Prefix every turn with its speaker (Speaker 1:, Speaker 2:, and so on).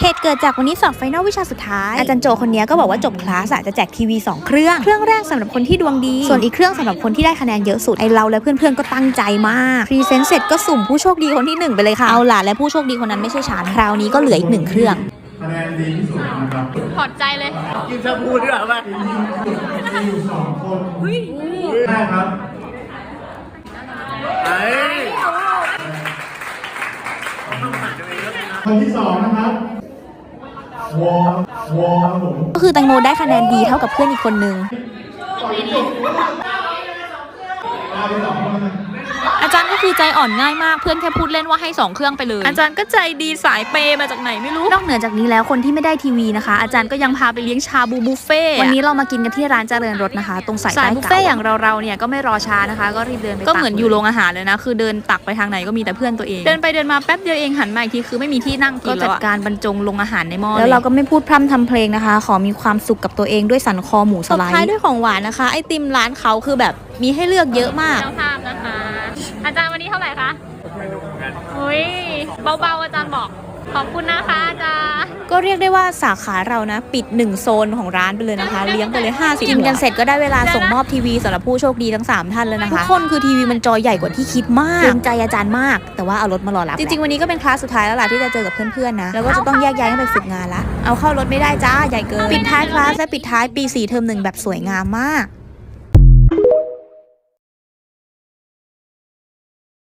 Speaker 1: เหตุเกิดจากวันนี้สอบไฟนอลวิชาสุดท้ายอาจารย์โจคนนี้ก็บอกว่าจบคลาสจะแจกทีวี2เครื่องแรกสำหรับคนที่ดวงดีส่วนอีกเครื่องสำหรับคนที่ได้คะแนนเยอะสุดไอเราและเพื่อนๆก็ตั้งใจมากพรีเซนต์เสร็จก็สุ่มผู้โชคดีคนที่1ไปเลยค่ะเอาล่ะและผู้โชคดีคนนั้นไม่ใช่ฉันคราวนี้ก็เหลืออีก1เครื่อง
Speaker 2: คะแนนดีที่สุดนะครับ
Speaker 3: ถอดใจเลย
Speaker 4: กินชาบูด้วยป่ะ
Speaker 2: มีอยู่2คนได้ครับคนที่2นะครับวอครับผม
Speaker 1: ก็คือแตงโมได้คะแนนดีเท่ากับเพื่อนอีกคนนึง
Speaker 3: อาจารย์ก็คือใจอ่อนง่ายมากเพื่อนแค่พูดเล่นว่าให้2เครื่องไปเลยอาจารย์ก็ใจดีสายเปมาจากไหนไม่รู้
Speaker 1: นอกเหนือจากนี้แล้วคนที่ไม่ได้ทีวีนะคะอาจารย์ก็ยังพาไปเลี้ยงชาบูบุฟเฟ่วันนี้เรามากินกันที่ร้านเจริญรสนะคะตรงสายบุฟเฟ่อย่างเราเนี่ยก็ไม่รอช้านะคะก็รีบเดินไป
Speaker 3: ก็เหมือนอยู่โรงอาหารเลยนะคือเดินตักไปทางไหนก็มีแต่เพื่อนตัวเองเดินไปเดินมาแป๊บเดียวเองหันมาอีกทีคือไม่มีที่นั่งกินแล้วก็จัดการบรรจงลงอาหารในหม้อ
Speaker 1: แล้วเราก็ไม่พูดพร่ำทำเพลงนะคะขอมีความสุขกับตัวเองด้วยสันคอหมูสไลด์
Speaker 3: ท้ายด้วยของหวานนะคะไอติมร้านเขาคือแบบมีให้เลือกเยอะมากเจ้าภาพนะคะอาจารย์วันนี้เท่าไหร่คะไม่รู้เหมือนกันอุ้ยเบาๆอาจารย์บอกขอบคุณนะคะอาจารย์
Speaker 1: ก็เรียกได้ว่าสาขาเรานะปิด1โซนของร้านไปเลยนะคะเลี้ยงไปเลย50กินกันเสร็จก็ได้เวลาส่งมอบทีวีสำหรับผู้โชคดีทั้ง3ท่านแล้วนะคะทุกคนคือทีวีมันจอใหญ่กว่าที่คิดมากเกรงใจอาจารย์มากแต่ว่าเอารถมารอรับจริงๆวันนี้ก็เป็นคลาสสุดท้ายแล้วล่ะที่จะเจอกับเพื่อนๆนะแล้วก็จะต้องแยกย้ายกันไปฝึกงานละเอาเข้ารถไม่ได้จ้าใหญ่เกินปิดท้ายคลาสและปิดท้ายปี4เทอม1แบบสวยงามมาก